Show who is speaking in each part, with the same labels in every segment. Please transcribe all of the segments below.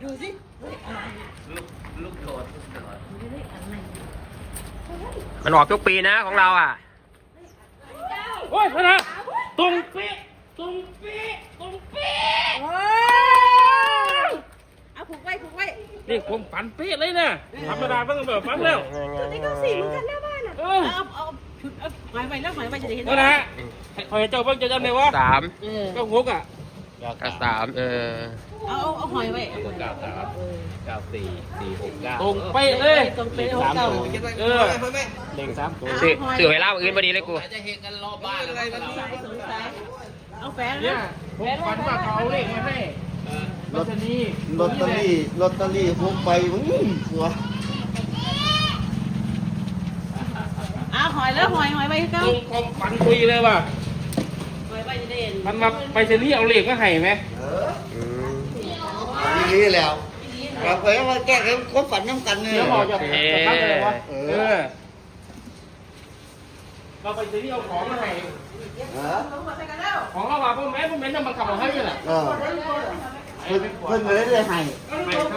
Speaker 1: ดูสิอะไร
Speaker 2: ลูกโดด
Speaker 1: เลขอะไร
Speaker 3: มันออกทุกปีนะของเราอ่ะ
Speaker 4: โอ้ยพนะตรงเป๊ะตรงเป๊ะตรงเป๊ะ
Speaker 1: โอ้ยเอาผูกไว้ผูกไว้
Speaker 4: นี่ผมฝันเป๊ะเลยนะธรรมดาต้องแบบฝันแล้ว
Speaker 1: จุดนี้ก็สี่เหมือนกันหน้าบ้านอ่ะเอาชุดเอาหมายไว้แล้วหมายไว้จะได้เห็น
Speaker 4: ก็นะคอยเจ้าเพิ่งจะจำได้ว่า
Speaker 3: 3
Speaker 4: ก็งกอ่ะ
Speaker 3: กับ3
Speaker 1: เอาหอยไว้
Speaker 2: 93 94 469
Speaker 4: ตรงเป๊ะเลย
Speaker 1: ตรงเป๊ะ
Speaker 2: สาม
Speaker 1: เก่า
Speaker 2: ตัว
Speaker 4: เออ
Speaker 2: เล็ง3ตัว
Speaker 3: สื่อเวลาอื่นพอดีเลยกู
Speaker 2: จะเห็นกันรอบบ้านอะไรกัน
Speaker 1: สายสงสัยเอาแฟน
Speaker 4: เนี่ย
Speaker 1: นะ
Speaker 4: ผมฝันว่าเขาเอาเลขมาให้ลอตเตอรี่
Speaker 5: ลอตเตอรี่พกไปมึงหัว
Speaker 1: เอาหอยแล้วหอยไว้เก่า
Speaker 4: ตรงความฝันคุยเลยว่ะ
Speaker 1: หอยไว้จะได้เห็น
Speaker 4: มันมาไปเซนี่เอาเลขมาให้ไหม
Speaker 5: นี่แล้วกลับไปมาแก้กันก็ฝันน้ำกันเลย
Speaker 4: เดี๋ยวบอกจะทำอะไรวะเราไปเซนี่เอาของมาให้ของเราว่าพวกแม่จะมาขับมาให้ยังไง
Speaker 5: เพิ่นเลยได้ให้
Speaker 4: ไม่ครับ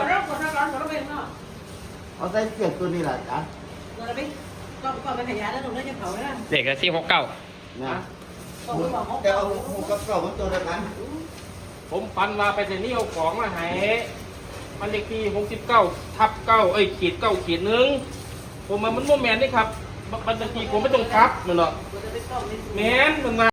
Speaker 5: เอาใส่เสื้อตัวนี้แหละจ้ะ
Speaker 1: เราไปก็ไปขยายแล้วตรงนั้นจะเผาแล้ว
Speaker 3: เด็กกับ469
Speaker 5: นะแต่เอาหูกับเก่ามันตัวเดียวกัน
Speaker 4: ผมฝันว่าไปเซนี่เอาของมาให้มันเลขที่69/9ขีด1ผมมันโมแมนนี่ครับบัญชีผมไม่ต้องครับมันหรอกแมนมันมา